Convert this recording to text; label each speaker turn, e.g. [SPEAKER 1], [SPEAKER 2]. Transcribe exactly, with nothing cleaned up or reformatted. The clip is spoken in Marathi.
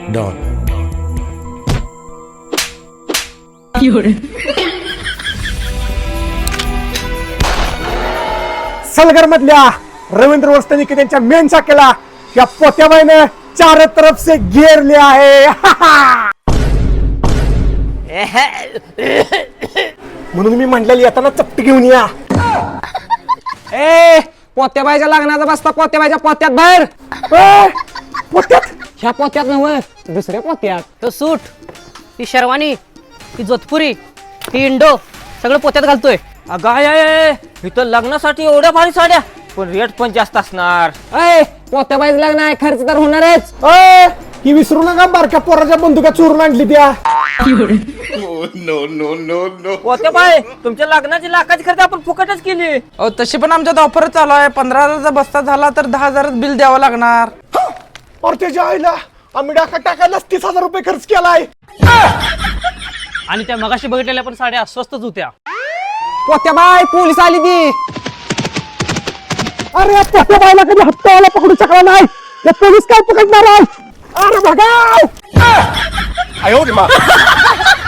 [SPEAKER 1] डॉन.
[SPEAKER 2] सलगर मधल्या रवींद्र वस्तनिक त्यांच्या मेन शाखेला या पोत्याबाईने चार तरफ से घेरले आहे. म्हणून मी म्हटलेली येताना चपटी घेऊन या.
[SPEAKER 3] ए पोत्याबाईच्या लग्नाचा बसता पोत्याबाईच्या पोत्यात बाहेर.
[SPEAKER 2] ए, पोत्यात
[SPEAKER 3] ह्या पोत्यात नव्हे दुसऱ्या पोत्यात.
[SPEAKER 4] तो सूट, ही शेरवानी, ही जोधपुरी, ही इंडो सगळं पोत्यात घालतोय.
[SPEAKER 5] अगं आय, आय, आय, इथं लग्नासाठी एवढ्या भारी साड्या पण रेट पण जास्त असणार.
[SPEAKER 3] ए पोत्याबाईचं लग्न आहे खर्च तर होणारच.
[SPEAKER 2] ए, ही विसरू नका बारक्या पोराच्या बंदुका चोरून आणली त्या.
[SPEAKER 5] होते बाय तुमच्या लग्नाची लाखाची खर्च आपण फुकटच केली.
[SPEAKER 6] अहो तशी पण आमच्यात ऑफर चालू आहे. पंधरा हजारचा बस्ता झाला तर दहा हजार बिल द्यावं लागणार.
[SPEAKER 2] और त्याच्या आईला आम्ही डाका टाकायलाच तीस हजार रुपये खर्च केलाय.
[SPEAKER 4] आणि त्या मगाशी बघितलेल्या पण साड्या स्वस्तच होत्या.
[SPEAKER 3] पोत्याबाई पोलीस आली ती.
[SPEAKER 2] अरे या पोत्याबाईला कधी हप्तावाला पकडू शकला नाही. या पोलीस काय पकडणार आहे. अरे बघा